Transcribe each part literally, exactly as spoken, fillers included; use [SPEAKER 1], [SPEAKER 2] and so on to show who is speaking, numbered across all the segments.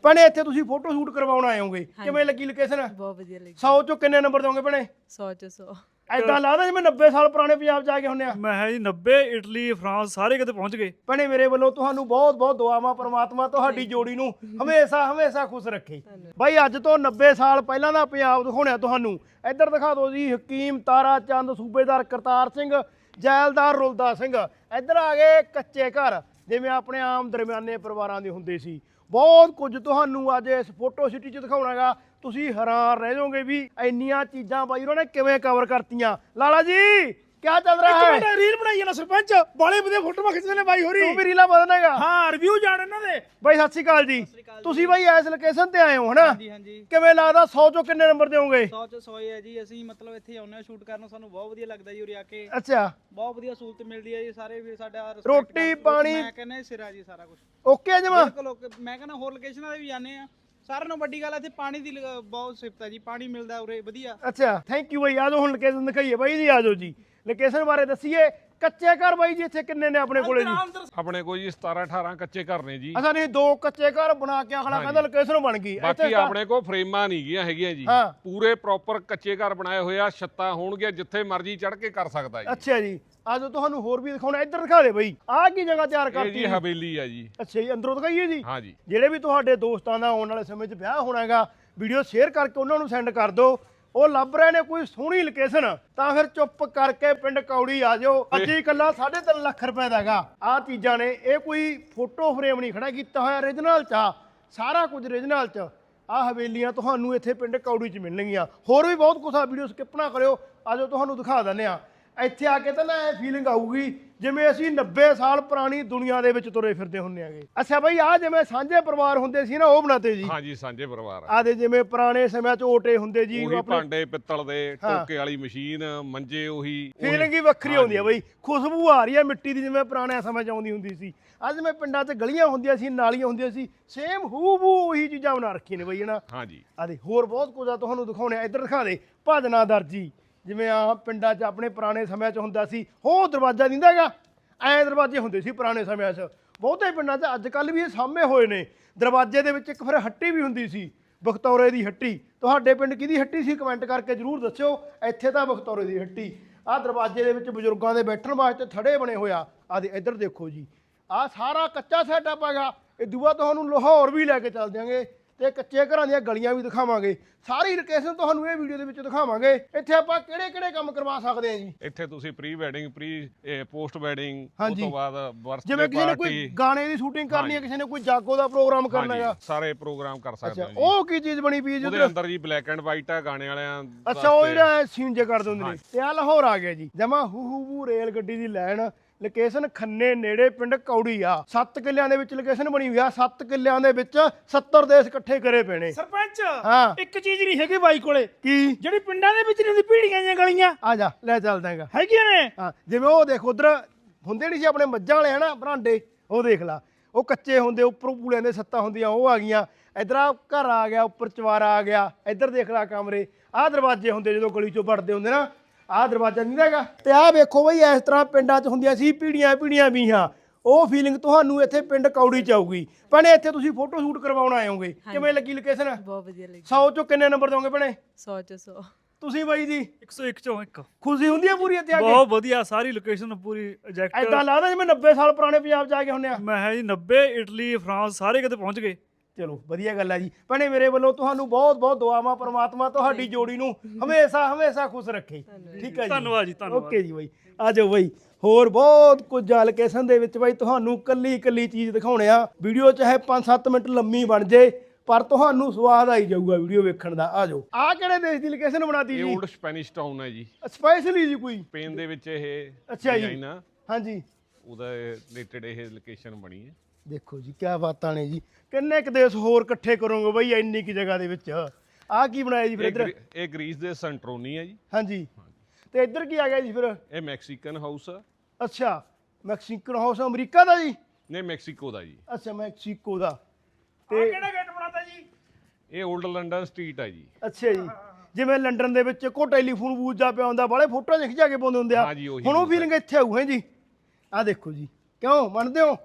[SPEAKER 1] ਭੈਣੇ ਇੱਥੇ ਤੁਸੀਂ ਫੋਟੋ ਸ਼ੂਟ ਕਰਵਾਉਣ ਆਏ ਹੋਗੇ, ਕਿਵੇਂ ਲੱਗੀ ਲੋਕੇਸ਼ਨ?
[SPEAKER 2] ਬਹੁਤ ਵਧੀਆ ਲੱਗੀ।
[SPEAKER 1] ਸੌ ਚੋਂ ਕਿੰਨੇ ਨੰਬਰ ਦੋਗੇ ਭੈਣੇ?
[SPEAKER 2] ਸੌ ਚ ਸੌ।
[SPEAKER 1] ਐਦਾਂ ਲੱਗਦਾ ਜਿਵੇਂ ਨੱਬੇ ਸਾਲ ਪੁਰਾਣੇ ਪੰਜਾਬ ਜਾ ਕੇ ਹੁੰਨੇ ਆ।
[SPEAKER 3] ਮੈਂ ਹੈ ਜੀ ਨੱਬੇ ਇਟਲੀ ਫਰਾਂਸ ਸਾਰੇ ਕਿਤੇ ਪਹੁੰਚ ਗਏ।
[SPEAKER 1] ਭੈਣੇ ਮੇਰੇ ਵੱਲੋਂ ਤੁਹਾਨੂੰ ਬਹੁਤ ਬਹੁਤ ਦੁਆਵਾਂ, ਪ੍ਰਮਾਤਮਾ ਤੁਹਾਡੀ ਜੋੜੀ ਨੂੰ ਹਮੇਸ਼ਾ ਹਮੇਸ਼ਾ ਖੁਸ਼ ਰੱਖੇ। ਬਾਈ ਅੱਜ ਤੋਂ ਨੱਬੇ ਸਾਲ ਪਹਿਲਾਂ ਦਾ ਪੰਜਾਬ ਦਿਖਾਉਣਿਆ ਤੁਹਾਨੂੰ। ਇੱਧਰ ਦਿਖਾ ਦਿਓ ਜੀ ਹਕੀਮ ਤਾਰਾ ਚੰਦ, ਸੂਬੇਦਾਰ ਕਰਤਾਰ ਸਿੰਘ, ਜੈਲਦਾਰ ਰੁਲਦਾ ਸਿੰਘ। ਇੱਧਰ ਆ ਗਏ ਕੱਚੇ ਘਰ, ਜਿਵੇਂ ਆਪਣੇ ਆਮ ਦਰਮਿਆਨੇ ਪਰਿਵਾਰਾਂ ਦੇ ਹੁੰਦੇ ਸੀ। ਬਹੁਤ ਕੁਝ ਤੁਹਾਨੂੰ ਅੱਜ ਇਸ ਫੋਟੋ ਸਿਟੀ 'ਚ ਦਿਖਾਉਣਾਗਾ। ਤੁਸੀਂ ਹੈਰਾਨ ਰਹਿ ਜਾਓਗੇ ਵੀ ਇੰਨੀਆਂ ਚੀਜ਼ਾਂ ਬਾਈ ਉਹਨਾਂ ਨੇ ਕਿਵੇਂ ਕਵਰ ਕਰਤੀਆਂ। ਲਾਲਾ ਜੀ ਕਿਆ ਚੱਲ ਰਿਹਾ ਹੈ?
[SPEAKER 4] ਇੱਕ ਮਿੰਟ ਰੀਲ ਬਣਾਈ ਨਾ ਸਰਪੰਚ, ਬਾਲੇ ਵਧੀਆ ਫੋਟੋਆਂ ਖਿੱਚਦੇ ਨੇ ਬਾਈ ਹੋਰੀ।
[SPEAKER 1] ਤੂੰ ਵੀ ਰੀਲਾਂ ਬਦਲੇਗਾ?
[SPEAKER 4] ਹਾਂ ਰਿਵਿਊ ਜਾਣ ਇਹਨਾਂ ਦੇ।
[SPEAKER 1] ਬਾਈ ਸਤਿ ਸ਼੍ਰੀ ਅਕਾਲ ਜੀ। ਤੁਸੀਂ ਬਾਈ ਇਸ ਲੋਕੇਸ਼ਨ ਤੇ ਆਏ ਹੋ ਹਨਾ?
[SPEAKER 5] ਹਾਂਜੀ ਹਾਂਜੀ
[SPEAKER 1] ਕਿਵੇਂ ਲੱਗਦਾ ਸੌ ਚੋਂ ਕਿੰਨੇ ਨੰਬਰ ਦਿਓਗੇ?
[SPEAKER 5] ਸੌ ਚ ਸੌ ਹੀ ਹੈ ਜੀ। ਅਸੀਂ ਮਤਲਬ ਇੱਥੇ ਆਉਂਦੇ ਹਾਂ ਸ਼ੂਟ ਕਰਨ, ਸਾਨੂੰ ਬਹੁਤ ਵਧੀਆ ਲੱਗਦਾ ਜੀ ਉਰੇ ਆ ਕੇ।
[SPEAKER 1] ਅੱਛਾ,
[SPEAKER 5] ਬਹੁਤ ਵਧੀਆ ਸਹੂਲਤ ਮਿਲਦੀ ਹੈ ਜੀ। ਸਾਰੇ ਵੀ ਸਾਡਾ respect
[SPEAKER 1] ਰੋਟੀ,
[SPEAKER 5] ਕਰਦੇ।
[SPEAKER 1] ਪਾਣੀ?
[SPEAKER 5] ਮੈਂ ਕਹਿੰਦਾ ਸਿਰਾ ਜੀ ਸਾਰਾ ਕੁਝ
[SPEAKER 1] ਓਕੇ ਆ ਜਮਾ?
[SPEAKER 5] ਬਿਲਕੁਲ ਓਕੇ। ਮੈਂ ਕਹਿੰਦਾ ਹੋਰ ਲੋਕੇਸ਼ਨਾਂ ਤੇ ਵੀ ਜਾਂਦੇ ਆ, ਸਾਰਿਆਂ ਨੂੰ ਵੱਡੀ ਗੱਲ ਇੱਥੇ ਪਾਣੀ ਦੀ ਲ- ਬਹੁਤ ਸਿਫਤ ਹੈ ਜੀ। ਪਾਣੀ ਮਿਲਦਾ ਉਰੇ ਵਧੀਆ।
[SPEAKER 1] ਅੱਛਾ ਥੈਂਕ ਯੂ ਬਾਈ। ਆ ਜਾਓ ਹੁਣ ਲੋਕੇਸ਼ਨ ਦਿਖਾਈਏ ਬਾਈ ਜੀ। ਆ ਜਾਓ ਜੀ ਲੋਕੇਸ਼ਨ ਬਾਰੇ ਦੱਸੀਏ। ਕੱਚੇ ਘਰ ਬਾਈ ਜੀ ਇੱਥੇ ਕਿੰਨੇ ਨੇ ਆਪਣੇ ਕੋਲੇ ਜੀ?
[SPEAKER 6] ਆਪਣੇ ਕੋਲ ਜੀ ਸਤਾਰਾਂ ਅਠਾਰਾਂ ਕੱਚੇ ਘਰ ਨੇ ਜੀ।
[SPEAKER 1] ਅਸਾਂ ਨਹੀਂ ਦੋ ਕੱਚੇ ਘਰ ਬਣਾ ਕੇ ਅਗਲਾ ਕਹਿੰਦਾ ਲੋਕੇਸ਼ਨ ਬਣ ਗਈ।
[SPEAKER 6] ਬਾਕੀ ਆਪਣੇ ਕੋਲ ਫਰੇਮਾਂ ਨਹੀਂ ਗੀਆਂ ਹੈਗੀਆਂ ਜੀ।
[SPEAKER 1] ਹਾਂ।
[SPEAKER 6] ਪੂਰੇ ਪ੍ਰੋਪਰ ਕੱਚੇ ਘਰ ਬਣਾਏ ਹੋਏ ਆ। ਛੱਤਾਂ ਹੋਣਗੀਆਂ, ਜਿੱਥੇ ਮਰਜ਼ੀ ਚੜ੍ਹ ਕੇ ਕਰ ਸਕਦਾ ਜੀ।
[SPEAKER 1] ਅੱਛਾ ਜੀ ਆ ਜਾਓ ਤੁਹਾਨੂੰ ਹੋਰ ਵੀ ਦਿਖਾਉਣਾ। ਇੱਧਰ ਦਿਖਾ ਦੇ ਬਾਈ, ਆਹ ਕੀ ਜਗ੍ਹਾ ਤਿਆਰ
[SPEAKER 6] ਇਹ
[SPEAKER 1] ਕਰਤੀ
[SPEAKER 6] ਜੀ ਹਵੇਲੀ ਆ ਜੀ।
[SPEAKER 1] ਅੱਛਾ ਜੀ ਅੰਦਰੋਂ ਦਿਖਾਈਏ ਜੀ।
[SPEAKER 6] ਹਾਂ ਜੀ।
[SPEAKER 1] ਜਿਹੜੇ ਵੀ ਤੁਹਾਡੇ ਦੋਸਤਾਂ ਦਾ ਆਉਣ ਵਾਲੇ ਸਮੇਂ 'ਚ ਵਿਆਹ ਹੋਣਾ ਹੈਗਾ, ਵੀਡੀਓ ਸ਼ੇਅਰ ਕਰਕੇ ਉਹਨਾਂ ਨੂੰ ਸੈਂਡ ਕਰ ਦਿਓ। ਉਹ ਲੱਭ ਰਹੇ ਨੇ ਕੋਈ ਸੋਹਣੀ ਲੋਕੇਸ਼ਨ, ਤਾਂ ਫਿਰ ਚੁੱਪ ਕਰਕੇ ਪਿੰਡ ਕੌੜੀ ਆ ਜਾਓ। ਅੱਜ ਹੀ ਇਕੱਲਾ ਸਾਢੇ ਤਿੰਨ ਲੱਖ ਰੁਪਏ ਦਾ ਹੈਗਾ। ਆਹ ਚੀਜ਼ਾਂ ਨੇ, ਇਹ ਕੋਈ ਫੋਟੋ ਫਰੇਮ ਨਹੀਂ ਖੜਾ ਕੀਤਾ ਹੋਇਆ, ਓਰੀਜਨਲ 'ਚ ਆ ਸਾਰਾ ਕੁਝ, ਓਰੀਜਨਲ 'ਚ। ਆਹ ਹਵੇਲੀਆਂ ਤੁਹਾਨੂੰ ਇੱਥੇ ਪਿੰਡ ਕੌੜੀ 'ਚ ਮਿਲਣਗੀਆਂ। ਹੋਰ ਵੀ ਬਹੁਤ ਕੁਛ ਆ, ਵੀਡੀਓ ਸਕਿਪ ਨਾ ਕਰਿਓ। ਆ ਜਾਓ ਤੁਹਾਨੂੰ ਦਿਖਾ ਦਿੰਦੇ ਆ। ਇੱਥੇ ਆ ਕੇ ਤਾਂ ਨਾ ਇਹ ਫੀਲਿੰਗ ਆਊਗੀ ਜਿਵੇਂ ਅਸੀਂ ਨੱਬੇ ਸਾਲ ਪੁਰਾਣੀ ਦੁਨੀਆ ਦੇ ਵਿੱਚ ਤੁਰੇ ਫਿਰਦੇ ਹੁੰਦੇ ਆਗੇ। ਅੱਛਾ ਬਈ ਆਹ ਜਿਵੇਂ ਸਾਂਝੇ ਪਰਿਵਾਰ ਹੁੰਦੇ ਸੀ ਨਾ, ਉਹ ਬਣਾਤੇ ਜੀ?
[SPEAKER 6] ਹਾਂ ਜੀ, ਸਾਂਝੇ ਪਰਿਵਾਰ ਆ।
[SPEAKER 1] ਆਹ ਦੇ ਜਿਵੇਂ ਪੁਰਾਣੇ ਸਮਿਆਂ 'ਚ ਓਟੇ ਹੁੰਦੇ ਜੀ,
[SPEAKER 6] ਉਹੀ
[SPEAKER 1] ਆਪਣੇ
[SPEAKER 6] ਭਾਂਡੇ ਪਿੱਤਲ ਦੇ, ਟੋਕੇ ਵਾਲੀ ਮਸ਼ੀਨ, ਮੰਜੇ ਉਹੀ।
[SPEAKER 1] ਫੀਲਿੰਗ ਹੀ ਵੱਖਰੀ ਆਉਂਦੀ ਆ ਬਈ। ਖੁਸ਼ਬੂ ਆ ਰਹੀ ਹੈ ਮਿੱਟੀ ਦੀ, ਜਿਵੇਂ ਪੁਰਾਣੇ ਸਮੇਂ 'ਚ ਆਉਂਦੀ ਹੁੰਦੀ ਸੀ। ਅੱਜ ਮੈਂ ਪਿੰਡਾਂ 'ਚ ਗਲੀਆਂ ਹੁੰਦੀਆਂ ਸੀ, ਨਾਲੀਆਂ ਹੁੰਦੀਆਂ ਸੀ, ਸੇਮ ਹੂ-ਬੂ ਉਹੀ ਚੀਜ਼ਾਂ ਬਣਾ ਰੱਖੀਆਂ ਨੇ ਬਈ ਹਨਾ।
[SPEAKER 6] ਹਾਂ ਜੀ।
[SPEAKER 1] ਆਹ ਦੇ ਹੋਰ ਬਹੁਤ ਕੁਝ ਆ ਤੁਹਾਨੂੰ ਦਿਖਾਉਣੇ। ਇੱਧਰ ਦਿਖਾ ਦੇ ਭਜਨਾ ਦਰਜੀ, ਜਿਵੇਂ ਆ ਪਿੰਡਾਂ 'ਚ ਆਪਣੇ ਪੁਰਾਣੇ ਸਮਿਆਂ 'ਚ ਹੁੰਦਾ ਸੀ। ਉਹ ਦਰਵਾਜ਼ਾ ਦਿੰਦਾ ਹੈਗਾ, ਐਂ ਦਰਵਾਜ਼ੇ ਹੁੰਦੇ ਸੀ ਪੁਰਾਣੇ ਸਮਿਆਂ 'ਚ। ਬਹੁਤੇ ਪਿੰਡਾਂ 'ਚ ਅੱਜ ਕੱਲ੍ਹ ਵੀ ਇਹ ਸਾਹਮਣੇ ਹੋਏ ਨੇ। ਦਰਵਾਜ਼ੇ ਦੇ ਵਿੱਚ ਇੱਕ ਫਿਰ ਹੱਟੀ ਵੀ ਹੁੰਦੀ ਸੀ, ਬਖਤੌਰੇ ਦੀ ਹੱਟੀ। ਤੁਹਾਡੇ ਪਿੰਡ ਕਿਹਦੀ ਹੱਟੀ ਸੀ ਕਮੈਂਟ ਕਰਕੇ ਜ਼ਰੂਰ ਦੱਸਿਓ। ਇੱਥੇ ਤਾਂ ਬਖਤੌਰੇ ਦੀ ਹੱਟੀ। ਆਹ ਦਰਵਾਜ਼ੇ ਦੇ ਵਿੱਚ ਬਜ਼ੁਰਗਾਂ ਦੇ ਬੈਠਣ ਵਾਸਤੇ ਥੜੇ ਬਣੇ ਹੋਇਆ। ਆਹ ਦੇ ਇੱਧਰ ਦੇਖੋ ਜੀ, ਆਹ ਸਾਰਾ ਕੱਚਾ ਸੈਟਅਪ ਹੈਗਾ। ਇਹ ਦੂਆ ਤੁਹਾਨੂੰ ਲਾਹੌਰ ਵੀ ਲੈ ਕੇ ਚੱਲ ਦਿਆਂਗੇ ਤੇ ਕੱਚੇ ਘਰਾਂ ਦੀਆਂ ਗਲੀਆਂ ਵੀ ਦਿਖਾਵਾਂਗੇ। ਸਾਰੀ ਲੋਕੇਸ਼ਨ ਤੁਹਾਨੂੰ ਇਹ ਵੀਡੀਓ ਦੇ ਵਿੱਚ ਦਿਖਾਵਾਂਗੇ। ਇੱਥੇ ਆਪਾਂ ਕਿਹੜੇ ਕਿਹੜੇ ਕੰਮ ਕਰਵਾ ਸਕਦੇ ਹਾਂ ਜੀ?
[SPEAKER 6] ਇੱਥੇ ਤੁਸੀਂ pre wedding, pre post wedding, ਉਸ
[SPEAKER 1] ਹਾਂਜੀ।
[SPEAKER 6] ਤੋਂ ਬਾਅਦ ਬਰਥਡੇ
[SPEAKER 1] ਜਿਵੇਂ ਕਿਸੇ ਨੇ ਕੋਈ
[SPEAKER 6] ਪਾਰਟੀ,
[SPEAKER 1] ਗਾਣੇ ਦੀ ਸ਼ੂਟਿੰਗ ਕਰਨੀ ਹੈ, ਕਿਸੇ ਨੇ ਕੋਈ ਜਾਗੋ ਦਾ ਪ੍ਰੋਗਰਾਮ ਕਰਨਾ ਹੈਗਾ,
[SPEAKER 6] ਸਾਰੇ ਪ੍ਰੋਗਰਾਮ ਕਰ ਸਕਦੇ
[SPEAKER 1] ਅੱਛਾ
[SPEAKER 6] ਹੋ ਜੀ।
[SPEAKER 1] ਉਹ ਕੀ ਚੀਜ਼ ਬਣੀ ਪਈ ਹੈ ਜੀ
[SPEAKER 6] ਉਹਦੇ
[SPEAKER 1] ਉੱਧਰ?
[SPEAKER 6] ਅੰਦਰ ਜੀ ਬਲੈਕ ਐਂਡ ਵਾਈਟ ਆ ਗਾਣੇ ਵਾਲਿਆਂ
[SPEAKER 1] ਅੱਛਾ ਉਹ
[SPEAKER 6] ਵਾਸਤੇ।
[SPEAKER 1] ਜਿਹੜਾ ਸੀਨ ਜੇ ਕਰ ਦਿੰਦੇ ਨੇ। ਤੇ ਆ ਲਾਹੌਰ ਆ ਗਿਆ ਜੀ, ਜਮਾ ਹੂ ਹੂ ਬੂ ਰੇਲ ਗੱਡੀ ਦੀ ਲਾਈਨ। ਲੋਕੇਸ਼ਨ ਖੰਨੇ ਨੇੜੇ ਪਿੰਡ ਕੌੜੀ ਆ। ਸੱਤ ਕਿੱਲਿਆਂ ਦੇ ਵਿੱਚ ਲੋਕੇਸ਼ਨ ਬਣੀ ਹੋਈ ਆ। ਸੱਤ ਕਿੱਲਿਆਂ ਦੇ ਵਿੱਚ ਸੱਤਰ ਦੇਸ਼ ਇਕੱਠੇ ਕਰੇ ਪਏ ਨੇ।
[SPEAKER 4] ਸਰਪੰਚ
[SPEAKER 1] ਹਾਂ।
[SPEAKER 4] ਇੱਕ ਚੀਜ਼ ਨਹੀਂ ਹੈਗੀ ਬਾਈ ਕੋਲੇ,
[SPEAKER 1] ਕੀ?
[SPEAKER 4] ਜਿਹੜੀ ਪਿੰਡਾਂ ਦੇ ਵਿੱਚ ਨਹੀਂ ਹੁੰਦੀ, ਪੀੜੀਆਂ ਦੀਆਂ ਗਲੀਆਂ
[SPEAKER 1] ਆ ਜਾ ਲੈ ਚੱਲਦਾ ਹੈਗਾ।
[SPEAKER 4] ਹੈਗੀਆਂ ਨੇ।
[SPEAKER 1] ਹਾਂ ਜਿਵੇਂ ਉਹ ਦੇਖ ਉਧਰ ਹੁੰਦੇ ਨਹੀਂ ਸੀ ਆਪਣੇ ਮੱਝਾਂ ਵਾਲੇ ਹਨਾ ਬਰਾਂਡੇ, ਉਹ ਦੇਖ ਲਾ, ਉਹ ਕੱਚੇ ਹੁੰਦੇ, ਉੱਪਰੋਂ ਪੂਲਿਆਂ ਦੇ ਸੱਤਾਂ ਹੁੰਦੀਆਂ, ਉਹ ਆ ਗਈਆਂ। ਇੱਧਰ ਆ ਘਰ ਆ ਗਿਆ, ਉੱਪਰ ਚਵਾਰਾ ਆ ਗਿਆ। ਇੱਧਰ ਦੇਖ ਲਾ ਕਮਰੇ। ਆਹ ਦਰਵਾਜ਼ੇ ਹੁੰਦੇ ਜਦੋਂ ਗਲੀ ਚੋਂ ਵੜਦੇ ਹੁੰਦੇ ਨਾ, ਆਹ ਦਰਵਾਜ਼ਾ ਨਹੀਂ ਹੈਗਾ। ਤੇ ਆਹ ਵੇਖੋ ਬਈ ਇਸ ਤਰ੍ਹਾਂ ਪਿੰਡਾਂ 'ਚ ਹੁੰਦੀਆਂ ਸੀ ਪੀੜੀਆਂ ਪੀੜੀਆਂ ਵੀਹਾਂ। ਉਹ ਫੀਲਿੰਗ ਤੁਹਾਨੂੰ ਇੱਥੇ ਪਿੰਡ ਕੌੜੀ 'ਚ ਆਊਗੀ। ਭੈਣੇ ਇੱਥੇ ਤੁਸੀਂ ਫੋਟੋ ਸ਼ੂਟ ਕਰਵਾਉਣ ਆਏ ਹੋਗੇ, ਕਿਵੇਂ ਲੱਗੀ ਲੋਕੇਸ਼ਨ?
[SPEAKER 2] ਬਹੁਤ ਵਧੀਆ ਲੱਗੀ।
[SPEAKER 1] ਸੌ ਚੋਂ ਕਿੰਨੇ ਨੰਬਰ ਦੋਗੇ ਭੈਣੇ?
[SPEAKER 2] ਸੌ ਚ ਸੌ।
[SPEAKER 1] ਤੁਸੀਂ ਬਾਈ ਜੀ?
[SPEAKER 3] ਇੱਕ ਸੌ ਇੱਕ ਚੋਂ ਇੱਕ।
[SPEAKER 1] ਖੁਸ਼ੀ ਹੁੰਦੀ ਹੈ ਪੂਰੀ ਇੱਥੇ ਆ ਕੇ?
[SPEAKER 3] ਬਹੁਤ ਵਧੀਆ, ਸਾਰੀ ਲੋਕੇਸ਼ਨ ਪੂਰੀ ਐਗਜ਼ੈਕਟ।
[SPEAKER 1] ਐਦਾਂ ਲੱਗਦਾ ਜਿਵੇਂ ਨੱਬੇ ਸਾਲ ਪੁਰਾਣੇ ਪੰਜਾਬ 'ਚ ਆ ਕੇ ਹੁੰਨੇ ਆ।
[SPEAKER 3] ਮੈਂ ਹੈ ਜੀ ਨੱਬੇ ਇਟਲੀ ਫਰਾਂਸ ਸਾਰੇ ਕਿਤੇ ਪਹੁੰਚ ਗਏ।
[SPEAKER 1] ਚਲੋ ਵਧੀਆ ਗੱਲ ਹੈ ਜੀ। ਭੈਣੇ ਮੇਰੇ ਵੱਲੋਂ ਤੁਹਾਨੂੰ ਬਹੁਤ ਬਹੁਤ ਦੁਆਵਾਂ, ਪ੍ਰਮਾਤਮਾ ਤੁਹਾਡੀ ਜੋੜੀ ਨੂੰ ਹਮੇਸ਼ਾ ਹਮੇਸ਼ਾ ਖੁਸ਼ ਰੱਖੇ। ਠੀਕ ਹੈ ਜੀ,
[SPEAKER 3] ਧੰਨਵਾਦ ਜੀ, ਧੰਨਵਾਦ।
[SPEAKER 1] ਓਕੇ ਜੀ ਬਾਈ। ਆ ਜਾਓ ਬਾਈ, ਹੋਰ ਬਹੁਤ ਕੁਝ ਆ ਲੋਕੇਸ਼ਨ ਦੇ ਵਿੱਚ ਬਾਈ। ਤੁਹਾਨੂੰ ਕੱਲੀ ਕੱਲੀ ਚੀਜ਼ ਦਿਖਾਉਣੇ ਆ। ਵੀਡੀਓ ਚਾਹੇ ਪੰਜ ਸੱਤ ਮਿੰਟ ਲੰਮੀ ਬਣ ਜੇ, ਪਰ ਤੁਹਾਨੂੰ ਸਵਾਦ ਆਈ ਜਾਊਗਾ ਵੀਡੀਓ ਵੇਖਣ ਦਾ। ਆ ਜਾਓ। ਆ ਕਿਹੜੇ ਦੇਸ਼ ਦੀ ਲੋਕੇਸ਼ਨ ਬਣਾਤੀ
[SPEAKER 6] ਇਹ
[SPEAKER 1] ਜੀ?
[SPEAKER 6] ਓਲਡ ਸਪੈਨਿਸ਼ ਟਾਊਨ ਹੈ ਜੀ,
[SPEAKER 1] ਸਪੈਸ਼ਲੀ ਜੀ ਕੋਈ?
[SPEAKER 6] ਸਪੇਨ ਦੇ ਵਿੱਚ ਇਹ
[SPEAKER 1] ਅੱਛਾ ਜੀ।
[SPEAKER 6] design ਆ,
[SPEAKER 1] ਹਾਂਜੀ
[SPEAKER 6] ਉਹਦਾ ਰਿਲੇਟਡ ਇਹ ਲੋਕੇਸ਼ਨ ਬਣੀ ਹੈ।
[SPEAKER 1] ਦੇਖੋ ਜੀ ਕਿਆ ਬਾਤਾਂ ਨੇ ਜੀ। ਕਿੰਨੇ ਕੁ ਦੇਸ਼ ਹੋਰ ਇਕੱਠੇ ਕਰੋਗੇ ਬਈ ਇੰਨੀ ਕੀ ਜਗ੍ਹਾ ਦੇ ਵਿੱਚ? ਆਹ ਕੀ ਬਣਾਇਆ ਜੀ ਫਿਰ
[SPEAKER 6] ਇਹ
[SPEAKER 1] ਇੱਧਰ?
[SPEAKER 6] ਗਰੀ- ਇਹ ਗ੍ਰੀਸ ਦੇ ਸੈਂਟਰੋਨੀ ਹੈ ਜੀ।
[SPEAKER 1] ਹਾਂਜੀ ਤੇ ਇੱਧਰ ਕੀ ਆ ਗਿਆ ਜੀ ਫਿਰ?
[SPEAKER 6] ਇਹ ਮੈਕਸੀਕਨ ਹਾਊਸ ਆ।
[SPEAKER 1] ਅੱਛਾ ਮੈਕਸੀਕਨ ਹਾਊਸ ਅਮਰੀਕਾ ਦਾ ਜੀ?
[SPEAKER 6] ਨਹੀਂ, ਮੈਕਸੀਕੋ ਦਾ ਜੀ।
[SPEAKER 1] ਅੱਛਾ ਮੈਕਸੀਕੋ ਦਾ।
[SPEAKER 4] ਤੇ ਕਿਹੜਾ ਗੇਟ ਬਣਾਤਾ ਜੀ?
[SPEAKER 6] ਇਹ ਓਲਡ ਲੰਡਨ ਸਟਰੀਟ ਹੈ ਜੀ।
[SPEAKER 1] ਅੱਛਾ ਜੀ, ਜਿਵੇਂ ਲੰਡਨ ਦੇ ਵਿੱਚ ਕੋ ਟੈਲੀਫੋਨ ਬੂਥ ਜਾ ਪਿਆ ਹੁੰਦਾ, ਬਾਲੇ ਫੋਟੋਆਂ ਖਿਚਾ ਕੇ ਪਾਉਂਦੇ ਹੁੰਦੇ ਆ।
[SPEAKER 6] ਹਾਂ ਜੀ, ਉਹੀ
[SPEAKER 1] ਹੁਣ ਉਹ
[SPEAKER 6] ਬੂਥ ਹੈ।
[SPEAKER 1] ਫੀਲਿੰਗ ਇੱਥੇ ਆਊ ਹੈ ਜੀ। ਆਹ ਦੇਖੋ ਜੀ, ਕਿਉਂ ਮੰਨਦੇ ਹੋ?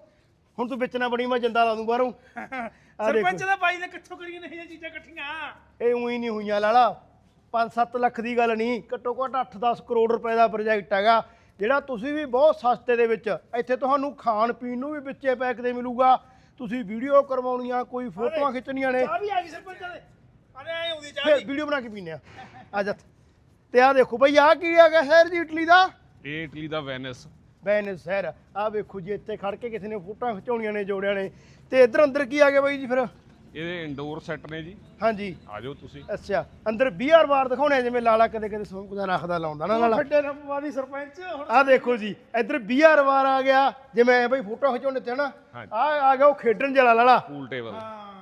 [SPEAKER 1] ਹੁਣ ਤੂੰ ਵਿੱਚ ਨਾ ਬਣੀ ਮੈਂ ਜਿੰਦਾ ਲਾ ਦੂੰ ਬਾਹਰੋਂ ਆ ਦੇਖੋ
[SPEAKER 4] ਸਰਪੰਚ ਦਾ ਬਾਈ ਨੇ ਕਿੱਥੋਂ ਕਰੀਆਂ ਨੇ ਇਹ ਚੀਜ਼ਾਂ ਇਕੱਠੀਆਂ।
[SPEAKER 1] ਇਹ ਉਹੀ ਨਹੀਂ ਹੋਈਆਂ ਲਾਲਾ ਪੰਜ ਸੱਤ ਲੱਖ ਦੀ ਗੱਲ ਨਹੀਂ, ਘੱਟੋ ਘੱਟ ਅੱਠ ਦਸ ਕਰੋੜ ਰੁਪਏ ਦਾ ਪ੍ਰੋਜੈਕਟ ਹੈਗਾ ਜਿਹੜਾ ਤੁਸੀਂ ਵੀ ਬਹੁਤ ਸਸਤੇ ਦੇ ਵਿੱਚ ਇੱਥੇ ਤੁਹਾਨੂੰ ਖਾਣ ਪੀਣ ਨੂੰ ਵੀ ਵਿੱਚੇ ਪੈਕ ਦੇ ਮਿਲੂਗਾ। ਤੁਸੀਂ ਵੀਡੀਓ ਕਰਵਾਉਣੀਆਂ ਕੋਈ ਫੋਟੋਆਂ ਖਿੱਚਣੀਆਂ ਨੇ
[SPEAKER 4] ਚਾਹ ਵੀ ਆ ਗਈ ਸਰਪੰਚ ਦੇ ਅਰੇ ਐ ਆਉਂਦੀ ਚਾਹ
[SPEAKER 1] ਫਿਰ
[SPEAKER 4] ਦੀ।
[SPEAKER 1] ਵੀਡੀਓ ਬਣਾ ਕੇ ਪੀਨੇ ਆ ਆ ਜਾ ਤੇ ਆ ਦੇਖੋ ਬਈ ਆ ਕੀ ਹੈਗਾ ਸ਼ਹਿਰ ਜੀ ਇਟਲੀ ਦਾ
[SPEAKER 6] ਇਹ ਇਟਲੀ ਦਾ ਵੈਨਿਸ।
[SPEAKER 1] ਵੈਨਿਸ ਸ਼ਹਿਰ ਆ ਵੇਖੋ ਜੀ ਇੱਥੇ ਖੜ ਕੇ ਕਿਸੇ ਨੇ ਫੋਟੋਆਂ ਖਿਚਾਉਣੀਆਂ ਨੇ ਜੋੜਿਆਂ ਨੇ ਤੇ ਇੱਧਰ ਅੰਦਰ ਕੀ ਆ ਗਿਆ ਬਾਈ ਜੀ ਫਿਰ
[SPEAKER 6] ਇਹਦੇ ਇੰਡੋਰ ਸੈੱਟ ਨੇ ਜੀ,
[SPEAKER 1] ਹਾਂਜੀ
[SPEAKER 6] ਆ ਜਾਓ ਤੁਸੀਂ।
[SPEAKER 1] ਅੱਛਾ ਅੰਦਰ ਬੀਆਰ ਬਾਰ ਦਿਖਾਉਣੇ ਆ, ਜਿਵੇਂ ਲਾਲਾ ਕਦੇ ਕਦੇ ਸੌਂਕ ਦਾ ਰੱਖਦਾ ਲਾਉਂਦਾ ਨਾ ਲਾਲਾ
[SPEAKER 4] ਵੱਡੇ ਨੰਬਰਵਾਦੀ ਸਰਪੰਚ ਹੁਣ
[SPEAKER 1] ਆ ਦੇਖੋ ਜੀ ਇੱਧਰ ਬੀਆਰ ਬਾਰ ਆ ਗਿਆ, ਜਿਵੇਂ ਬਈ ਫੋਟੋ ਖਿਚਾਉਣੇ ਤੇ ਨਾ
[SPEAKER 6] ਹਾਂਜੀ।
[SPEAKER 1] ਆ ਆ ਗਿਆ ਉਹ ਖੇਡਣ ਜਿਹੜਾ ਲਾਲਾ
[SPEAKER 6] ਪੂਲ ਟੇਬਲ।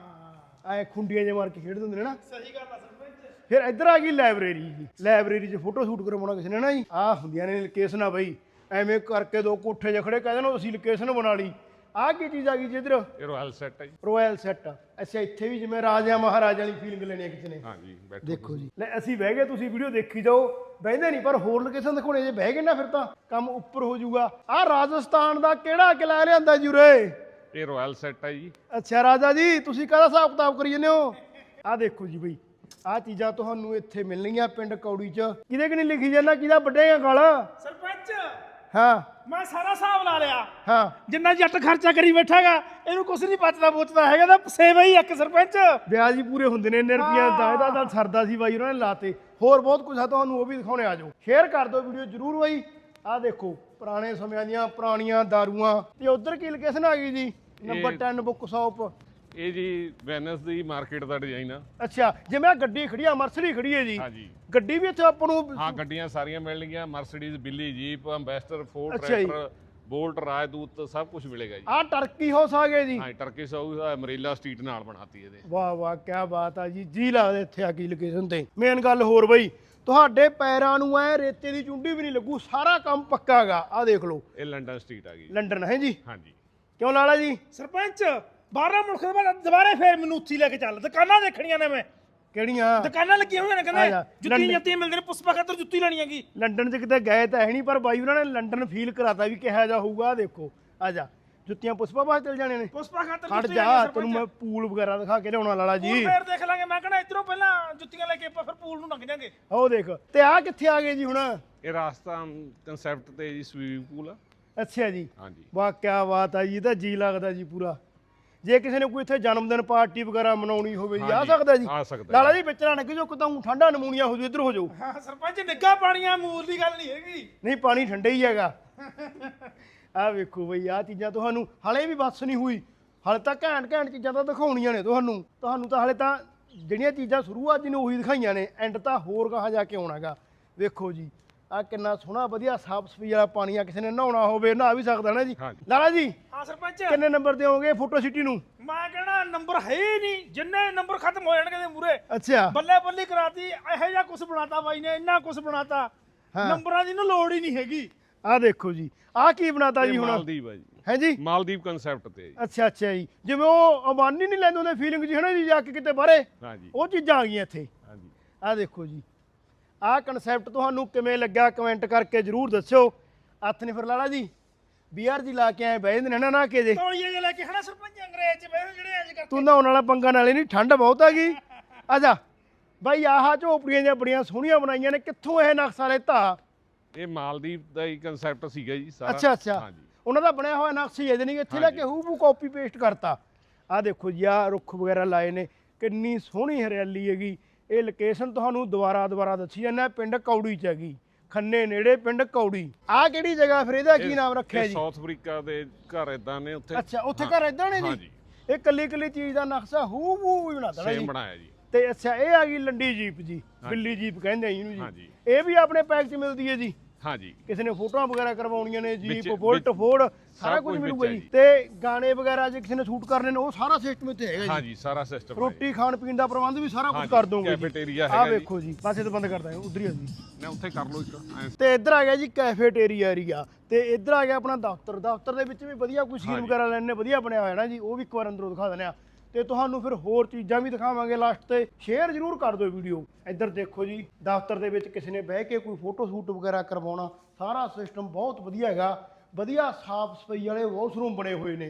[SPEAKER 1] ਐ ਖੁੰਡੀਆਂ ਜੇ ਮਾਰ ਕੇ ਖੇਡਦੇ ਹੁੰਦੇ ਨੇ ਨਾ।
[SPEAKER 4] ਸਹੀ ਗੱਲ ਆ ਸਰਪੰਚ।
[SPEAKER 1] ਫਿਰ ਇੱਧਰ ਆ ਗਈ ਲਾਇਬ੍ਰੇਰੀ ਜੀ, ਲਾਇਬ੍ਰੇਰੀ 'ਚ ਫੋਟੋ ਸ਼ੂਟ ਕਰਵਾਉਣਾ ਕਿਸੇ ਨੇ ਨਾ ਜੀ ਆ ਹੁੰਦੀਆਂ ਨੇ ਲੋਕੇਸ਼ਨਾਂ ਬਈ ਐਵੇਂ ਕਰਕੇ ਦੋ ਕੋਠੇ ਜਿਹੇ ਖੜੇ ਕਹਿੰਦੇ ਨੇ ਅਸੀਂ ਲੋਕੇਸ਼ਨ ਬਣਾ ਲਈ। ਆਹ ਕੀ ਚੀਜ਼ ਆ ਗਈ ਜੀ ਇੱਧਰ
[SPEAKER 6] ਇਹ ਰਾਇਲ ਸੈੱਟ ਹੈ ਜੀ।
[SPEAKER 1] Royal set. ਅੱਛਾ ਇੱਥੇ ਵੀ ਜਿਵੇਂ ਰਾਜਿਆਂ ਮਹਾਰਾਜਿਆਂ ਵਾਲੀ ਫੀਲਿੰਗ ਲੈਣੀ ਹੈ ਕਿਸੇ ਨੇ।
[SPEAKER 6] ਹਾਂਜੀ ਬੈਠੋ।
[SPEAKER 1] ਦੇਖੋ ਜੀ ਲੈ ਅਸੀਂ ਬਹਿ ਗਏ, ਤੁਸੀਂ ਵੀਡੀਓ ਦੇਖੀ ਜਾਓ, ਬਹਿੰਦੇ ਨਹੀਂ ਪਰ ਹੋਰ ਲੋਕੇਸ਼ਨ ਦਿਖਾਉਣੇ ਜੇ ਬਹਿ ਗਏ ਨਾ ਫਿਰ ਤਾਂ ਕੰਮ ਉੱਪਰ ਹੋ ਜਾਊਗਾ। ਆਹ ਰਾਜਸਥਾਨ ਦਾ ਕਿਹੜਾ ਕਿਲਾ ਲਿਆਂਦਾ ਜੀ ਉਰੇ?
[SPEAKER 6] ਇਹ ਰਾਇਲ ਸੈੱਟ ਹੈ ਜੀ।
[SPEAKER 1] ਅੱਛਾ ਰਾਜਾ ਜੀ ਤੁਸੀਂ ਕਾਹਦਾ ਹਿਸਾਬ ਕਿਤਾਬ ਕਰੀ ਜਾਂਦੇ ਹੋ? ਆਹ ਦੇਖੋ ਜੀ ਬਈ ਆਹ ਚੀਜ਼ਾਂ ਤੁਹਾਨੂੰ ਇੱਥੇ ਮਿਲਣਗੀਆਂ ਪਿੰਡ ਕੌੜੀ 'ਚ। ਕਿਹਦੇ ਕਿ ਨਹੀਂ ਲਿਖੀ ਜਾਂਦਾ ਕਿਹਦਾ ਵੱਡੇਗਾ ਗਲ?
[SPEAKER 4] ਸਰਪੰਚ
[SPEAKER 1] ਹਾਂ
[SPEAKER 4] ਮੈਂ ਸਾਰਾ ਹਿਸਾਬ ਲਾ ਲਿਆ,
[SPEAKER 1] ਹਾਂ
[SPEAKER 4] ਜਿੰਨਾ ਜੱਟ ਖਰਚਾ ਕਰੀ ਬੈਠਾਗਾ ਇਹਨੂੰ ਕੁਛ ਨਹੀਂ ਬਚਦਾ ਬੋਚਦਾ ਹੈਗਾ ਤਾਂ ਸੇਵਾ ਹੀ ਇੱਕ ਸਰਪੰਚ।
[SPEAKER 1] ਵਿਆਜ ਹੀ ਪੂਰੇ ਹੁੰਦੇ ਨੇ ਇੰਨੇ ਰੁਪਈਆ ਦਾ ਇਹਦਾ ਤਾਂ ਸਰਦਾ ਸੀ ਬਾਈ ਉਹਨਾਂ ਨੇ ਲਾਤੇ। ਹੋਰ ਬਹੁਤ ਕੁਝ ਆ ਤੁਹਾਨੂੰ ਉਹ ਵੀ ਦਿਖਾਉਣੇ ਆ ਜਾਓ। ਸ਼ੇਅਰ ਕਰ ਦਿਓ ਵੀਡੀਓ ਜਰੂਰ ਬਾਈ। ਆਹ ਦੇਖੋ ਪੁਰਾਣੇ ਸਮਿਆਂ ਦੀਆਂ ਪੁਰਾਣੀਆਂ ਦਾਰੂਆਂ ਤੇ ਉਧਰ ਕੀ ਲੋਕੇਸ਼ਨ ਆ ਗਈ ਜੀ? ਨੰਬਰ ਦਸ ਬੁੱਕ ਸ਼ਾਪ।
[SPEAKER 6] ਇਹ ਜੀ ਵੈਨਿਸ ਦੀ ਮਾਰਕੀਟ ਦਾ ਡਿਜ਼ਾਈਨ ਆ।
[SPEAKER 1] ਅੱਛਾ ਜਿਵੇਂ ਆ ਗੱਡੀ ਖੜੀ ਆ ਮਰਸਡੀ ਖੜੀ ਹੈ ਜੀ,
[SPEAKER 6] ਹਾਂਜੀ
[SPEAKER 1] ਗੱਡੀ ਵੀ ਇੱਥੇ ਆਪਾਂ ਨੂੰ
[SPEAKER 6] ਹਾਂ ਗੱਡੀਆਂ ਸਾਰੀਆਂ ਮਿਲਣਗੀਆਂ, ਮਰਸੀਡੀਜ਼, ਬਿੱਲੀ, ਜੀਪ, ਅੰਬੈਸਡਰ, ਫੋਰਡ,
[SPEAKER 1] ਅੱਛਾ ਜੀ।
[SPEAKER 6] ਟਰੈਕਟਰ, ਬੋਲਟ, ਰਾਜਦੂਤ ਸਭ ਕੁਝ ਮਿਲੇਗਾ ਜੀ।
[SPEAKER 1] ਆਹ ਟਰਕੀ ਹਾਊਸ ਆ ਗਏ ਜੀ।
[SPEAKER 6] ਹਾਂ ਟਰਕਿਸ਼ ਹਾਊਸ ਅਮਰੀਲਾ ਸਟਰੀਟ ਨਾਲ ਬਣਾਤੀ ਇਹਦੇ।
[SPEAKER 1] ਵਾਹ ਵਾਹ ਕੀ ਬਾਤ ਆ ਜੀ, ਜੀ ਲੱਗਦਾ ਇੱਥੇ ਆ ਗਈ ਲੋਕੇਸ਼ਨ ਤੇ। ਮੇਨ ਗੱਲ ਹੋਰ ਬਈ ਤੁਹਾਡੇ ਪੈਰਾਂ ਨੂੰ ਐ ਰੇਤੇ ਦੀ ਚੁੰਡੀ ਵੀ ਨਹੀਂ ਲੱਗੂ, ਸਾਰਾ ਕੰਮ ਪੱਕਾ ਹੈਗਾ। ਆਹ ਦੇਖ ਲਓ
[SPEAKER 6] ਇਹ ਲੰਡਨ ਸਟਰੀਟ ਆ ਗਈ ਜੀ।
[SPEAKER 1] ਲੰਡਨ ਹੈ ਜੀ।
[SPEAKER 6] ਹਾਂਜੀ
[SPEAKER 1] ਕਿਉਂ ਲਾਲਾ ਜੀ?
[SPEAKER 4] ਸਰਪੰਚ ਬਾਰਾਂ ਮੁਲਕ ਦੇ ਬਾਅਦ ਦੁਬਾਰੇ ਫੇਰ ਮੈਨੂੰ ਉੱਥੀ ਲੈ ਕੇ ਚੱਲ, ਦੁਕਾਨਾਂ ਦੇਖਣੀਆਂ ਨੇ ਮੈਂ।
[SPEAKER 1] ਕਿਹੜੀਆਂ
[SPEAKER 4] ਦੁਕਾਨਾਂ ਲੱਗੀਆਂ ਹੋਈਆਂ ਨੇ
[SPEAKER 1] ਆ ਜਾ,
[SPEAKER 4] ਕਹਿੰਦੇ ਜੁੱਤੀਆਂ
[SPEAKER 1] ਲੰਡਨ-
[SPEAKER 4] ਜੁੱਤੀਆਂ ਮਿਲਦੇ ਨੇ, ਪੁਸ਼ਪਾ ਖਾਤਰ ਜੁੱਤੀ ਲੈਣੀ ਹੈਗੀ।
[SPEAKER 1] ਲੰਡਨ 'ਚ ਕਿਤੇ ਗਏ ਤਾਂ ਹੈ ਨਹੀਂ ਪਰ ਬਾਈ ਉਹਨਾਂ ਨੇ ਲੰਡਨ ਫੀਲ ਕਰਾਤਾ ਵੀ ਕਿਹਾ ਜਾ ਹੋਊਗਾ। ਆਹ ਦੇਖੋ ਆ ਜਾ ਜੁੱਤੀਆਂ ਪੁਸ਼ਪਾ ਬਾਹਰ ਚਲ ਜਾਣੇ ਨੇ।
[SPEAKER 4] ਪੁਸ਼ਪਾ ਖਾਤਰ
[SPEAKER 1] ਖੜ
[SPEAKER 4] ਜੁੱਤੀ
[SPEAKER 1] ਜਾ
[SPEAKER 4] ਲੈਣੀ ਹੈ
[SPEAKER 1] ਤੈਨੂੰ ਮੈਂ
[SPEAKER 4] ਸਰਪੰਚ।
[SPEAKER 1] ਪੂਲ ਵਗੈਰਾ ਦਿਖਾ ਕੇ ਲਿਆਉਣਾ ਲਾਲਾ ਜੀ।
[SPEAKER 4] ਪੂਲ ਫੇਰ ਦੇਖ ਲਾਂਗੇ, ਮੈਂ ਕਹਿੰਦਾ ਇਧਰੋਂ ਪਹਿਲਾਂ ਜੁੱਤੀਆਂ ਲੈ ਕੇ ਆਪਾਂ ਫਿਰ ਪੂਲ ਨੂੰ ਲੰਘ ਜਾਾਂਗੇ।
[SPEAKER 1] ਉਹ ਦੇਖ ਤੇ ਆ ਕਿੱਥੇ ਆ ਗਏ ਜੀ ਹੁਣ?
[SPEAKER 6] ਇਹ ਰਾਜਸਥਾਨ ਕਨਸੈਪਟ ਤੇ ਜੀ ਸਵੀਮਿੰਗ ਪੂਲ ਆ।
[SPEAKER 1] ਅੱਛਾ ਜੀ
[SPEAKER 6] ਹਾਂਜੀ
[SPEAKER 1] ਵਾਹ ਕੀ ਬਾਤ ਆ ਜੀ, ਇਹ ਤਾਂ ਜੀ ਲੱਗਦਾ ਜੀ ਪੂਰਾ। ਜੇ ਕਿਸੇ ਨੇ ਕੋਈ ਇੱਥੇ ਜਨਮ ਦਿਨ ਪਾਰਟੀ ਵਗੈਰਾ ਮਨਾਉਣੀ ਹੋਵੇ ਜੀ ਆ
[SPEAKER 6] ਹਾਂਜੀ,
[SPEAKER 1] ਸਕਦਾ ਜੀ?
[SPEAKER 6] ਆ ਸਕਦਾ
[SPEAKER 1] ਲਾਲਾ ਜੀ ਵਿੱਚ ਨਾ ਨਿੱਘ ਜੋ ਕਿਤਾ ਠੰਡਾ ਨਮੂਨੀਆ ਹੋ ਜੂ ਇੱਧਰ ਹੋ ਜਾਓ।
[SPEAKER 4] ਹਾਂ ਸਰਪੰਚ ਨਿੱਘਾ ਪਾਣੀਆਂ ਮੂਲ ਦੀ ਗੱਲ ਨਹੀਂ ਹੈਗੀ।
[SPEAKER 1] ਨਹੀਂ ਪਾਣੀ ਠੰਡਾ ਹੀ ਹੈਗਾ। ਆਹ ਵੇਖੋ ਬਈ ਆਹ ਚੀਜ਼ਾਂ ਤੁਹਾਨੂੰ ਹਲੇ ਵੀ ਬਸ ਨਹੀਂ ਹੋਈ, ਹਲੇ ਤਾਂ ਘੈਂਟ ਘੈਂਟ ਚੀਜ਼ਾਂ ਤਾਂ ਦਿਖਾਉਣੀਆਂ ਨੇ ਤੁਹਾਨੂੰ। ਤੁਹਾਨੂੰ ਤਾਂ ਹਲੇ ਤਾਂ ਜਿਹੜੀਆਂ ਚੀਜ਼ਾਂ ਸ਼ੁਰੂਆਤ ਜੀ ਨੇ ਉਹੀ ਦਿਖਾਈਆਂ ਨੇ, ਐਂਡ ਤਾਂ ਹੋਰ ਕਹਾ ਜਾ ਕੇ ਆਉਣਾਗਾ। ਵੇਖੋ ਜੀ ਆ ਕਿੰਨਾ ਸੋਹਣਾ ਵਧੀਆ ਸਾਫ ਸਫਾਈ ਵਾਲਾ ਪਾਣੀ ਆ, ਕਿਸੇ ਨੇ ਨਹਾਉਣਾ ਹੋਵੇ ਨਹਾ ਵੀ ਸਕਦਾ ਨਾ ਜੀ।
[SPEAKER 6] ਹਾਂਜੀ।
[SPEAKER 1] ਲਾਲਾ ਜੀ
[SPEAKER 4] ਹਾਂ ਸਰਪੰਚ
[SPEAKER 1] ਕਿੰਨੇ ਨੰਬਰ ਦਿਓਗੇ ਫੋਟੋ ਸਿਟੀ ਨੂੰ?
[SPEAKER 4] ਮੈਂ ਕਹਿਣਾ ਨੰਬਰ ਹੈ ਹੀ ਨਹੀਂ, ਜਿੰਨੇ ਨੰਬਰ ਖਤਮ ਹੋ ਜਾਣਗੇ ਦੇ ਮੂਰੇ
[SPEAKER 1] ਅੱਛਾ
[SPEAKER 4] ਬੱਲੇ ਬੱਲੀ ਕਰਾਤੀ। ਇਹੋ ਜਿਹਾ ਕੁਝ ਬਣਾਤਾ ਬਾਈ ਨੇ, ਇੰਨਾ ਕੁਝ ਬਣਾਤਾ ਨੰਬਰਾਂ ਦੀ ਨਾ ਲੋੜ ਹੀ ਨਹੀਂ ਹੈਗੀ।
[SPEAKER 1] ਆਹ ਦੇਖੋ ਜੀ ਆਹ ਕੀ ਬਣਾਤਾ ਜੀ
[SPEAKER 6] ਇਹ
[SPEAKER 1] ਹੁਣ?
[SPEAKER 6] ਮਾਲਦੀਵ ਆ ਜੀ।
[SPEAKER 1] ਹੈ ਜੀ
[SPEAKER 6] ਮਾਲਦੀਵ ਕਨਸੈਪਟ ਤੇ ਜੀ।
[SPEAKER 1] ਅੱਛਾ ਅੱਛਾ ਜੀ, ਜਿਵੇਂ ਉਹ ਅਮਾਨੀ ਨਹੀਂ ਲੈਂਦੇ ਉਹਦੇ ਫੀਲਿੰਗ ਜੀ ਹੈ ਨਾ ਜੀ, ਜਾ ਕੇ ਕਿਤੇ ਬਾਹਰੇ
[SPEAKER 6] ਹਾਂਜੀ
[SPEAKER 1] ਉਹ ਚੀਜ਼ਾਂ ਆ ਗਈਆਂ ਇੱਥੇ।
[SPEAKER 6] ਹਾਂਜੀ
[SPEAKER 1] ਆਹ ਦੇਖੋ ਜੀ ਆਹ ਕਨਸੈਪਟ ਤੁਹਾਨੂੰ ਕਿਵੇਂ ਲੱਗਾ ਕਮੈਂਟ ਕਰਕੇ ਜਰੂਰ ਦੱਸਿਓ। ਹੱਥ ਨਹੀਂ ਫਿਰ ਲਾਲਾ ਜੀ ਬੀਆਰ ਜੀ ਲਾ ਕੇ ਆਏ ਬਹਿ ਜਾਂਦੇ ਨੇ ਨਾ ਨਾ ਕੇ ਜੇ
[SPEAKER 4] ਤੌਲੀਏ ਜਿਹੇ ਲੈ ਕੇ ਹਨਾ ਸਰਪੰਚ ਅੰਗਰੇਜ਼ ਚ ਬਹਿ ਜਿਹੜੇ ਅੱਜ
[SPEAKER 1] ਤੂੰ ਨਹਾਉਣ ਵਾਲਾ ਪੰਗਾ ਨਾਲੇ ਨਹੀਂ, ਠੰਡ ਬਹੁਤ ਆ ਗਈ। ਆ ਜਾ ਬਾਈ ਆਹ ਝੋਪੜੀਆਂ ਜਿਹੀਆਂ ਬੜੀਆਂ ਸੋਹਣੀਆਂ ਬਣਾਈਆਂ ਨੇ, ਕਿੱਥੋਂ ਇਹ ਨਕਸ਼ਾ ਲੈਤਾ?
[SPEAKER 6] ਇਹ ਮਾਲਦੀਵ ਦਾ ਹੀ ਕਨਸੈਪਟ ਸੀਗਾ ਜੀ ਸਾਰਾ।
[SPEAKER 1] ਅੱਛਾ ਅੱਛਾ
[SPEAKER 6] ਹਾਂਜੀ
[SPEAKER 1] ਉਹਨਾਂ ਦਾ ਬਣਿਆ ਹੋਇਆ ਨਕਸ਼ਾ ਹੀ ਇਹਦੇ ਨਹੀਂ ਇੱਥੇ ਲੈ ਕੇ ਹੂਬੂ ਕਾਪੀ ਪੇਸਟ ਕਰਤਾ। ਆਹ ਦੇਖੋ ਜੀ ਆਹ ਰੁੱਖ ਵਗੈਰਾ ਲਾਏ ਨੇ, ਕਿੰਨੀ ਸੋਹਣੀ ਹਰਿਆਲੀ ਹੈਗੀ। ਇਹ ਲੋਕੇਸ਼ਨ ਤੁਹਾਨੂੰ ਦੁਬਾਰਾ ਦੁਬਾਰਾ ਦੱਸੀ ਜਾਂਦਾ, ਪਿੰਡ ਕੌੜੀ ਚ ਹੈਗੀ, ਖੰਨੇ ਨੇੜੇ ਪਿੰਡ ਕੌੜੀ। ਆਹ ਕਿਹੜੀ ਜਗ੍ਹਾ ਫਿਰ ਇਹਦਾ ਕੀ ਨਾਮ ਰੱਖਿਆ ਜੀ?
[SPEAKER 6] ਸਾਊਥ ਅਫਰੀਕਾ ਦੇ ਘਰ ਇਦਾਂ ਨੇ ਉੱਥੇ।
[SPEAKER 1] ਅੱਛਾ ਉੱਥੇ ਘਰ ਇਦਾਂ ਨੇ ਜੀ?
[SPEAKER 6] ਹਾਂਜੀ
[SPEAKER 1] ਇਹ ਕੱਲੀ ਕੱਲੀ ਚੀਜ਼ ਦਾ ਨਕਸ਼ਾ ਹੂਬੂ ਹੀ ਬਣਾ ਦੇਣਾ
[SPEAKER 6] ਸੇਮ
[SPEAKER 1] ਜੀ।
[SPEAKER 6] ਬਣਾਇਆ ਜੀ।
[SPEAKER 1] ਤੇ ਅੱਛਾ ਇਹ ਆ ਗਈ ਲੰਡੀ ਜੀਪ ਜੀ, ਬਿੱਲੀ ਜੀਪ ਕਹਿੰਦੇ ਆ ਇਹਨੂੰ ਜੀ।
[SPEAKER 6] ਹਾਂਜੀ
[SPEAKER 1] ਇਹ ਵੀ ਆਪਣੇ ਪੈਕ 'ਚ ਮਿਲਦੀ ਹੈ ਜੀ?
[SPEAKER 6] ਹਾਂਜੀ
[SPEAKER 1] ਕਿਸੇ ਨੇ ਫੋਟੋਆਂ ਵਗੈਰਾ ਕਰਵਾਉਣੀਆਂ ਨੇ ਜੀਪ
[SPEAKER 6] ਵਿੱਚ-
[SPEAKER 1] ਬੁਲਟ
[SPEAKER 6] ਵਿੱਚ
[SPEAKER 1] ਫੋਰਡ ਸਾਰਾ
[SPEAKER 6] ਸਭ
[SPEAKER 1] ਕੁਝ
[SPEAKER 6] ਕੁਝ
[SPEAKER 1] ਮਿਲੂਗਾ
[SPEAKER 6] ਵਿੱਚ
[SPEAKER 1] ਜੀ।
[SPEAKER 6] ਹੈ ਜੀ।
[SPEAKER 1] ਤੇ ਗਾਣੇ ਵਗੈਰਾ ਜੇ ਕਿਸੇ ਨੇ ਸ਼ੂਟ ਕਰਨੇ ਨੇ ਉਹ ਸਾਰਾ ਸਿਸਟਮ ਇੱਥੇ ਹੈਗਾ ਜੀ।
[SPEAKER 6] ਹਾਂਜੀ ਸਾਰਾ ਸਿਸਟਮ
[SPEAKER 1] ਰੋਟੀ ਖਾਣ ਪੀਣ ਦਾ ਪ੍ਰਬੰਧ ਵੀ ਸਾਰਾ ਕੁਝ
[SPEAKER 6] ਹਾਂਜੀ,
[SPEAKER 1] ਕਰ ਦੋਗੇ ਜੀ।
[SPEAKER 6] cafeteria
[SPEAKER 1] ਆਹ
[SPEAKER 6] ਹੈਗਾ ਜੀ।
[SPEAKER 1] ਵੇਖੋ ਜੀ ਬਸ ਇਹ ਤਾਂ ਬੰਦ ਕਰਦਾ ਉਧਰ ਹੀ ਆ ਜੀ।
[SPEAKER 6] ਨਾ ਉੱਥੇ ਕਰ ਲਓ ਇੱਕ ਐਂ।
[SPEAKER 1] ਤੇ ਇੱਧਰ ਆ ਗਿਆ ਜੀ ਕੈਫੇਟੇਰੀਆ ਏਰੀਆ, ਤੇ ਇੱਧਰ ਆ ਗਿਆ ਆਪਣਾ ਦਫ਼ਤਰ। ਦਫ਼ਤਰ ਦੇ ਵਿੱਚ ਵੀ ਵਧੀਆ ਕੋਈ ਸੀਨ
[SPEAKER 6] ਹਾਂਜੀ।
[SPEAKER 1] ਵਗੈਰਾ ਲੈਣੇ ਵਧੀਆ ਬਣਿਆ ਹੋਇਆ ਨਾ ਜੀ, ਉਹ ਵੀ ਇੱਕ ਵਾਰ ਅੰਦਰੋਂ ਦਿਖਾ ਦਿੰਦੇ ਆ। ਤੇ ਤੁਹਾਨੂੰ ਫਿਰ ਹੋਰ ਚੀਜ਼ਾਂ ਵੀ ਦਿਖਾਵਾਂਗੇ ਲਾਸਟ ਤੇ। ਸ਼ੇਅਰ ਜ਼ਰੂਰ ਕਰ ਦਿਓ ਵੀਡੀਓ। ਇੱਧਰ ਦੇਖੋ ਜੀ ਦਫ਼ਤਰ ਦੇ ਵਿੱਚ ਕਿਸੇ ਨੇ ਬਹਿ ਕੇ ਕੋਈ ਫੋਟੋ ਸ਼ੂਟ ਵਗੈਰਾ ਕਰਵਾਉਣਾ, ਸਾਰਾ ਸਿਸਟਮ ਬਹੁਤ ਵਧੀਆ ਹੈਗਾ। ਵਧੀਆ ਸਾਫ ਸਫਾਈ ਵਾਲੇ ਵਾਸ਼ਰੂਮ ਬਣੇ ਹੋਏ ਨੇ।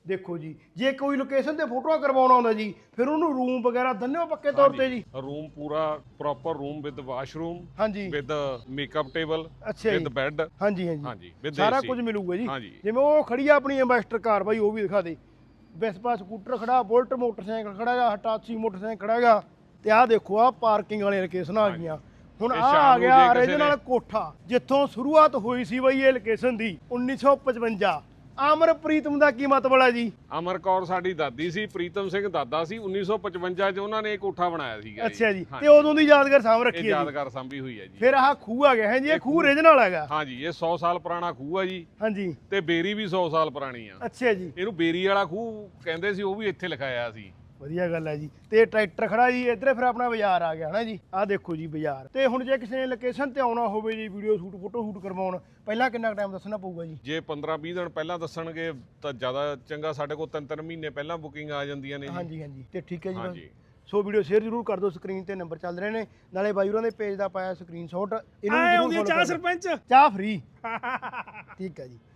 [SPEAKER 1] ਦੇਖੋ ਜੀ ਜੇ ਕੋਈ ਲੋਕੇਸ਼ਨ ਤੇ ਫੋਟੋਆਂ ਕਰਵਾਉਣਾ ਹੁੰਦਾ ਜੀ ਫਿਰ ਉਹਨੂੰ ਰੂਮ ਵਗੈਰਾ ਦਿੰਦੇ ਹੋ ਪੱਕੇ ਤੌਰ ਤੇ ਜੀ
[SPEAKER 6] ਰੂਮ ਪੂਰਾ ਪ੍ਰੋਪਰ ਰੂਮ ਵਿਦ ਵਾਸ਼ਰੂਮ
[SPEAKER 1] ਹਾਂਜੀ
[SPEAKER 6] ਵਿਦ ਮੇਕਅਪ ਟੇਬਲ
[SPEAKER 1] ਅੱਛਾ
[SPEAKER 6] ਵਿਦ
[SPEAKER 1] ਜੀ
[SPEAKER 6] ਬੈੱਡ
[SPEAKER 1] ਹਾਂਜੀ ਹਾਂਜੀ
[SPEAKER 6] ਹਾਂਜੀ with
[SPEAKER 1] ਸਾਰਾ
[SPEAKER 6] A C
[SPEAKER 1] ਕੁਝ ਮਿਲੂਗਾ ਜੀ
[SPEAKER 6] ਹਾਂਜੀ।
[SPEAKER 1] ਜਿਵੇਂ ਉਹ ਖੜੀ ਆ ਆਪਣੀ ਐਂਬੈਸਟਰ ਕਾਰ ਬਾਈ ਉਹ ਵੀ ਦਿਖਾ ਦੇ ਵੈਸਪਾ ਸਕੂਟਰ ਖੜਾ ਬੁਲਟ ਮੋਟਰਸਾਈਕਲ ਖੜਾ ਹੈਗਾ ਹਟਾਚੀ ਮੋਟਰਸਾਈਕਲ ਖੜਾ ਹੈਗਾ ਤੇ ਆਹ ਦੇਖੋ ਆ ਪਾਰਕਿੰਗ ਵਾਲੀਆਂ ਲੋਕੇਸ਼ਨਾਂ ਆ ਗਈਆਂ ਹੁਣ
[SPEAKER 6] ਇਹ
[SPEAKER 1] ਆ
[SPEAKER 6] ਸ਼ਾਮ
[SPEAKER 1] ਆ
[SPEAKER 6] ਨੂੰ
[SPEAKER 1] ਗਿਆ
[SPEAKER 6] ਜੇ ਕਿਸੇ
[SPEAKER 1] ਰੀਜਨਲ
[SPEAKER 6] ਨੇ-
[SPEAKER 1] ਕੋਠਾ ਜਿੱਥੋਂ ਸ਼ੁਰੂਆਤ ਹੋਈ ਸੀ ਬਈ ਇਹ ਲੋਕੇਸ਼ਨ ਦੀ ਉੱਨੀ ਸੌ ਪਚਵੰਜਾ ਆਮਰ ਪ੍ਰੀਤਮ ਦਾ ਕੀ ਮਤਲਬ ਹੈ ਜੀ
[SPEAKER 6] ਅਮਰ ਕੌਰ ਸਾਡੀ ਦਾਦੀ ਸੀ ਪ੍ਰੀਤਮ ਸਿੰਘ ਦਾਦਾ ਸੀ ਉੱਨੀ ਸੌ ਪਚਵੰਜਾ ਚ ਉਹਨਾਂ ਨੇ ਇਹ ਕੋਠਾ ਬਣਾਇਆ ਸੀਗਾ
[SPEAKER 1] ਅੱਛਾ ਜੀ
[SPEAKER 6] ਹਾਂਜੀ।
[SPEAKER 1] ਤੇ ਉਦੋਂ ਦੀ ਯਾਦਗਾਰ ਸਾਂਭ
[SPEAKER 6] ਇਹ
[SPEAKER 1] ਰੱਖੀ ਹੈ ਜੀ
[SPEAKER 6] ਯਾਦਗਾਰ ਸੰਭੀ ਹੋਈ ਹੈ ਜੀ
[SPEAKER 1] ਫਿਰ ਆਹ ਖੂਹ ਆ ਗਿਆ ਹੈ ਜੀ ਇਹ ਖੂਹ ਰੀਜਨਲ ਹੈਗਾ
[SPEAKER 6] ਹਾਂਜੀ ਇਹ ਸੌ ਸਾਲ ਪੁਰਾਣਾ ਖੂਹ ਆ ਜੀ
[SPEAKER 1] ਹਾਂਜੀ
[SPEAKER 6] ਤੇ ਬੇਰੀ ਵੀ ਸੌ ਸਾਲ ਪੁਰਾਣੀ ਆ
[SPEAKER 1] ਅੱਛਾ ਜੀ
[SPEAKER 6] ਇਹਨੂੰ ਬੇਰੀ ਵਾਲਾ ਖੂਹ ਕਹਿੰਦੇ ਸੀ ਉਹ ਵੀ ਇੱਥੇ ਲਿਖਾਇਆ ਸੀ
[SPEAKER 1] ਵਧੀਆ ਗੱਲ ਹੈ ਜੀ ਤੇ ਟਰੈਕਟਰ ਖੜਾ ਜੀ ਇੱਧਰ ਫਿਰ ਆਪਣਾ ਬਾਜ਼ਾਰ ਆ ਗਿਆ ਹਨਾ ਜੀ ਆਹ ਦੇਖੋ ਜੀ ਬਾਜ਼ਾਰ ਤੇ ਹੁਣ ਜੇ ਕਿਸੇ ਨੇ ਲੋਕੇਸ਼ਨ ਤੇ ਆਉਣਾ ਹੋਵੇ ਜੀ ਵੀਡੀਓ ਸ਼ੂਟ ਫੋਟੋ ਸ਼ੂਟ ਕਰਵਾਉਣ ਪਹਿਲਾਂ ਕਿੰਨਾ ਟਾਈਮ ਦੱਸਣਾ ਪਊਗਾ ਜੀ
[SPEAKER 6] ਜੇ ਪੰਦਰਾਂ ਵੀਹ ਦਿਨ ਪਹਿਲਾਂ ਦੱਸਣਗੇ ਤਾਂ ਜ਼ਿਆਦਾ ਚੰਗਾ ਸਾਡੇ ਕੋਲ ਤਿੰਨ ਤਿੰਨ ਮਹੀਨੇ ਪਹਿਲਾਂ ਬੁਕਿੰਗ ਆ ਜਾਂਦੀਆਂ ਨੇ ਜੀ
[SPEAKER 1] ਹਾਂਜੀ ਹਾਂਜੀ ਤੇ ਠੀਕ ਹੈ ਜੀ ਬਸ।
[SPEAKER 6] ਹਾਂਜੀ।
[SPEAKER 1] ਸੋ ਵੀਡੀਓ ਸ਼ੇਅਰ ਜ਼ਰੂਰ ਕਰ ਦਿਓ ਸਕਰੀਨ ਤੇ ਨੰਬਰ ਚੱਲ ਰਹੇ ਨੇ ਨਾਲੇ ਬਾਈ ਹੋਰਾਂ ਦੇ ਪੇਜ ਦਾ ਪਾਇਆ ਸਕਰੀਨਸ਼ਾਟ ਇਹਨੂੰ ਵੀ
[SPEAKER 4] ਆਏ
[SPEAKER 1] ਜ਼ਰੂਰ
[SPEAKER 4] ਆਉਂਦੀ ਆ
[SPEAKER 1] follow
[SPEAKER 4] ਚਾਹ
[SPEAKER 1] ਕਰ ਦਿਓ।
[SPEAKER 4] ਸਰਪੰਚ
[SPEAKER 1] ਚਾਹ ਫ੍ਰੀ ਠੀਕ ਹੈ ਜੀ